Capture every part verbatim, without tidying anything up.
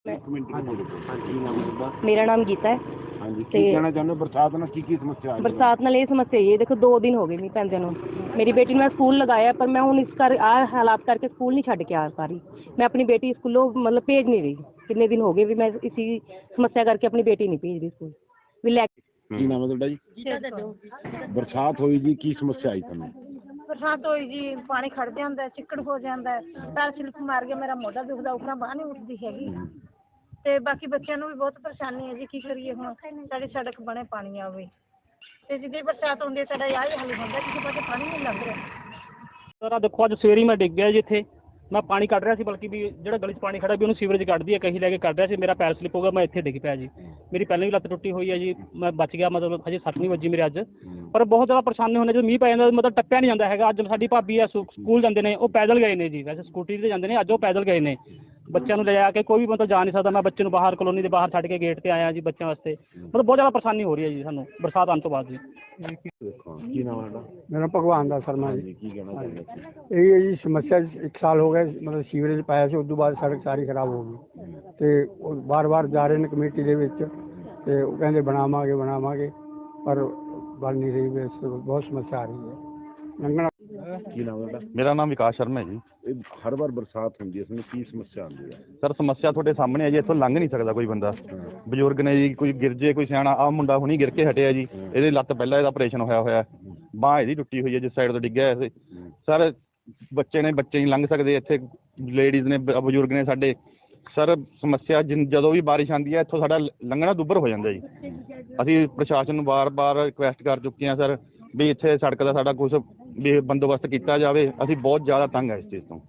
ਇੱਕ ਮਿੰਟ ਹਾਂਜੀ ਹਾਂਜੀ ਨਾਮ ਹੈ ਮੇਰਾ ਨਾਮ ਗੀਤਾ ਹੈ। ਹਾਂਜੀ ਤੇ ਕੀ ਕਹਿਣਾ ਚਾਹੁੰਦੇ ਹੋ? ਬਰਸਾਤ ਨਾਲ ਕੀ ਕੀ ਸਮੱਸਿਆ ਆ ਰਹੀ ਹੈ? ਬਰਸਾਤ ਨਾਲ ਇਹ ਸਮੱਸਿਆ ਇਹ ਦੇਖੋ ਦੋ ਦਿਨ ਹੋ ਗਏ ਮੀਂਹ ਪੈਂਦੇ ਨੂੰ। ਮੇਰੀ ਬੇਟੀ ਨੂੰ ਮੈਂ ਸਕੂਲ ਲਗਾਇਆ ਪਰ ਮੈਂ ਹੁਣ ਇਸ ਕਰ ਆ ਹਾਲਾਤ ਕਰਕੇ ਸਕੂਲ ਨਹੀਂ ਛੱਡ ਕੇ ਆ ਪਾ ਰਹੀ। ਮੈਂ ਆਪਣੀ ਬੇਟੀ ਸਕੂਲੋਂ ਮਤਲਬ ਭੇਜ ਨਹੀਂ ਰਹੀ। ਕਿੰਨੇ ਦਿਨ ਹੋ ਗਏ ਵੀ ਮੈਂ ਇਸੀ ਸਮੱਸਿਆ ਕਰਕੇ ਆਪਣੀ ਬੇਟੀ ਨਹੀਂ ਭੇਜ ਰਹੀ ਸਕੂਲ ਵੀ ਲੈ ਕੀ ਨਾਮ ਹੈ ਤੁਹਾਡਾ ਜੀ? ਬਰਸਾਤ ਹੋਈ ਜੀ, ਕੀ ਸਮੱਸਿਆ ਆਈ ਤੁਹਾਨੂੰ? ਬਰਸਾਤ ਹੋਈ ਜੀ, ਪਾਣੀ ਖੜ ਜਾਂਦਾ, ਚਿੱਕੜ ਹੋ ਜਾਂਦਾ, ਪੈਰ ਸਲਿੱਪ ਮਾਰ ਗਿਆ, ਮੇਰਾ ਮੋਢਾ ਦੁਖਦਾ, ਉਪਰਾਂ ਬਾਂਹ ਨਹੀਂ ਉੱਠਦੀ ਹੈਗੀ। ਤੇ ਬਾਕੀ ਬੱਚਿਆਂ ਨੂੰ ਵੀ ਬਹੁਤ ਪਰੇਸ਼ਾਨੀ ਹੈ ਜੀ, ਕੀ ਕਰੀਏ ਹੁਣ? ਸਾਡੀ ਸੜਕ ਬਣੇ ਪਾਣੀ ਆਵੇ ਤੇ ਜਿੱਦੇ ਬਰਸਾਤ ਹੁੰਦੀ ਹੈ ਸਾਡਾ ਆਹ ਹੀ ਹੱਲ ਹੁੰਦਾ, ਕਿਸੇ ਪਾਸੇ ਪਾਣੀ ਨਹੀਂ ਲੰਘ ਰਿਹਾ। ਸਰ ਆ ਦੇਖੋ ਅੱਜ ਸਵੇਰੇ ਮੈਂ ਡਿੱਗ ਗਿਆ ਜੀ ਇੱਥੇ। ਮੈਂ ਪਾਣੀ ਕੱਢ ਰਿਹਾ ਸੀ, ਬਲਕਿ ਵੀ ਜਿਹੜਾ ਗਲੀ 'ਚ ਪਾਣੀ ਖੜਾ ਵੀ ਉਹਨੂੰ ਸੀਵਰੇਜ ਕੱਢਦੀ ਹੈ, ਕਹੀ ਲੈ ਕੇ ਕੱਢ ਰਿਹਾ ਸੀ। ਮੇਰਾ ਪੈਰ ਸਲਿੱਪ ਹੋ ਗਿਆ, ਮੈਂ ਇੱਥੇ ਡਿੱਗ ਪਿਆ ਜੀ। ਮੇਰੀ ਪਹਿਲਾਂ ਵੀ ਲੱਤ ਟੁੱਟੀ ਹੋਈ ਹੈ ਜੀ, ਮੈਂ ਬਚ ਗਿਆ, ਮਤਲਬ ਹਜੇ ਸੱਟ ਨਹੀਂ ਵੱਜੀ ਮੇਰੇ ਅੱਜ। ਪਰ ਬਹੁਤ ਜ਼ਿਆਦਾ ਪਰੇਸ਼ਾਨੀ ਹੁੰਦੀ ਜਦੋਂ ਮੀਂਹ ਪੈ ਜਾਂਦਾ, ਮਤਲਬ ਟੱਪਿਆ ਨਹੀਂ ਜਾਂਦਾ ਹੈਗਾ। ਅੱਜ ਸਾਡੀ ਭਾਬੀ ਆ ਸਕੂਲ ਜਾਂਦੇ ਨੇ, ਉਹ ਪੈਦਲ ਗਏ ਨੇ ਜੀ, ਵੈਸੇ ਸਕੂਟੀ ਤੇ ਜਾਂਦੇ ਨੇ, ਅੱਜ ਉਹ ਪੈਦਲ ਗਏ ਨੇ। ਬੱਚਿਆਂ ਨੂੰ ਲੈ ਜਾ ਕੇ ਕੋਈ ਵੀ ਮਤਲਬ ਜਾ ਨਹੀਂ ਸਕਦਾ। ਮੈਂ ਬੱਚੇ ਨੂੰ ਬਾਹਰ ਕਲੋਨੀ ਦੇ ਬਾਹਰ ਛੱਡ ਕੇ ਗੇਟ ਤੇ ਆਇਆ ਜੀ ਬੱਚਿਆਂ ਵਾਸਤੇ। ਮਤਲਬ ਬਹੁਤ ਜ਼ਿਆਦਾ ਪਰੇਸ਼ਾਨੀ ਹੋ ਰਹੀ ਹੈ ਜੀ ਸਾਨੂੰ ਬਰਸਾਤ ਆਉਣ ਤੋਂ ਬਾਅਦ ਜੀ। ਕੀ ਨਾਮ ਹੈ ਤੁਹਾਡਾ? ਮੇਰਾ ਭਗਵਾਨ ਦਾ ਸ਼ਰਮਾ ਜੀ। ਕੀ ਕਹਿਣਾ ਚਾਹੁੰਦੇ ਹੋ? ਇਹ ਹੈ ਜੀ ਸਮੱਸਿਆ, ਇੱਕ ਸਾਲ ਹੋ ਗਿਆ ਮਤਲਬ ਸੀਵਰੇਜ ਪਾਇਆ ਸੀ, ਉਸ ਤੋਂ ਬਾਅਦ ਸੜਕ ਸਾਰੀ ਖਰਾਬ ਹੋ ਗਈ ਤੇ ਉਹ ਵਾਰ-ਵਾਰ ਜਾ ਰਹੇ ਨੇ ਕਮੇਟੀ ਦੇ ਵਿੱਚ ਤੇ ਉਹ ਕਹਿੰਦੇ ਬਣਾਵਾਂਗੇ ਬਣਾਵਾਂਗੇ ਪਰ ਬਣ ਨਹੀਂ ਰਹੀ। ਬਹੁਤ ਸਮੱਸਿਆ ਆ ਰਹੀ ਹੈ ਲੰਘਣਾ। ਕੀ ਨਾਮ ਹੈ ਤੁਹਾਡਾ? ਮੇਰਾ ਨਾਮ ਵਿਕਾਸ ਸ਼ਰਮਾ ਹੈ ਜੀ। ਇਹ ਹਰ ਵਾਰ ਬਰਸਾਤ ਹੁੰਦੀ ਹੈ, ਇਸ ਨੂੰ ਕੀ ਸਮੱਸਿਆ ਆਉਂਦੀ ਹੈ? ਸਰ ਸਮੱਸਿਆ ਤੁਹਾਡੇ ਸਾਹਮਣੇ ਹੈ ਜੀ, ਇੱਥੋਂ ਲੰਘ ਨਹੀਂ ਸਕਦਾ ਕੋਈ ਬੰਦਾ। ਬਜ਼ੁਰਗ ਨੇ ਜੀ, ਕੋਈ ਗਿਰ ਜੇ, ਕੋਈ ਸਿਆਣਾ। ਆਹ ਮੁੰਡਾ ਹੁਣੀ ਗਿਰ ਕੇ ਹਟਿਆ ਜੀ, ਇਹਦੇ ਲੱਤ ਪਹਿਲਾਂ ਇਹਦਾ ਆਪਰੇਸ਼ਨ ਹੋਇਆ ਹੋਇਆ, ਬਾਂਹ ਇਹਦੀ ਟੁੱਟੀ ਹੋਈ ਹੈ ਜਿਸ ਸਾਈਡ ਤੋਂ ਡਿੱਗਿਆ ਸੀ। ਸਰ ਬੱਚੇ ਨੇ, ਬੱਚੇ ਨਹੀਂ ਲੰਘ ਸਕਦੇ ਇੱਥੇ, ਲੇਡੀਜ਼ ਨੇ, ਬਜ਼ੁਰਗ ਨੇ ਸਾਡੇ। ਸਰ ਸਮੱਸਿਆ ਜਦੋਂ ਵੀ ਬਾਰਿਸ਼ ਆਉਂਦੀ ਹੈ ਇੱਥੋਂ ਸਾਡਾ ਲੰਘਣਾ ਦੁੱਭਰ ਹੋ ਜਾਂਦਾ ਜੀ। ਅਸੀਂ ਪ੍ਰਸ਼ਾਸਨ ਨੂੰ ਵਾਰ-ਵਾਰ ਰਿਕੁਐਸਟ ਕਰ ਚੁੱਕੇ ਹਾਂ ਸਰ ਵੀ ਇੱਥੇ ਸੜਕ ਦਾ ਸਾਡਾ ਕੁਝ ਵੀ ਬੰਦੋਬਸਤ ਕੀਤਾ ਜਾਵੇ। ਅਸੀਂ ਬਹੁਤ ਜ਼ਿਆਦਾ ਤੰਗ ਹੈ ਇਸ ਚੀਜ਼ ਤੋਂ।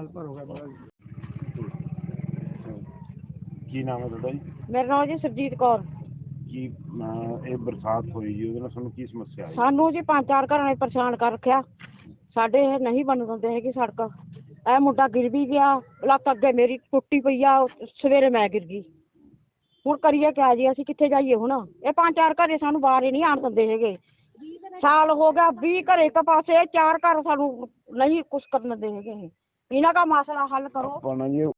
ਕੀ ਨਾਮ ਹੈ ਤੁਹਾਡਾ ਜੀ? ਮੇਰਾ ਨਾਮ ਜੀ ਸਰਜੀਤ ਕੌਰ। ਕੀ ਅਹ, ਇਹ ਬਰਸਾਤ ਹੋਈ ਜੀ, ਉਹਦੇ ਨਾਲ ਤੁਹਾਨੂੰ ਕੀ ਸਮੱਸਿਆ ਆਈ? ਸਾਨੂੰ ਜੀ ਪੰਜ ਚਾਰ ਘਰਾਂ ਨੇ ਪਰੇਸ਼ਾਨ ਕਰ ਰੱਖਿਆ। ਸਾਡੇ ਇਹ ਨਹੀਂ ਬਣ ਦਿੰਦੇ ਹੈਗੇ ਸੜਕ। ਇਹ ਮੁੰਡਾ ਗਿਰ ਵੀ ਗਿਆ, ਲੱਤ ਅੱਗੇ ਮੇਰੀ ਟੁੱਟੀ ਪਈ ਆ, ਸਵੇਰੇ ਮੈਂ ਗਿਰ ਗਈ। ਹੁਣ ਕਰੀਏ ਕਿਆ ਜੀ? ਅਸੀਂ ਕਿੱਥੇ ਜਾਈਏ ਹੁਣ? ਇਹ ਪੰਜ ਚਾਰ ਘਰੇ ਸਾਨੂੰ ਬਾਹਰ ਹੀ ਨਹੀਂ ਆਣ ਦਿੰਦੇ ਹੈਗੇ। ਸਾਲ ਹੋ ਗਿਆ, ਵੀਹ ਘਰੇ ਇੱਕ ਪਾਸੇ, ਚਾਰ ਘਰ ਸਾਨੂੰ ਨਹੀਂ ਕੁਛ ਕਰਨ ਦਿੰਦੇ ਹੈਗੇ। ਇਹਨਾਂ ਦਾ ਮਸਲਾ ਹੱਲ ਕਰੋ। ਆਪਾਂ ਨਾ ਜੀ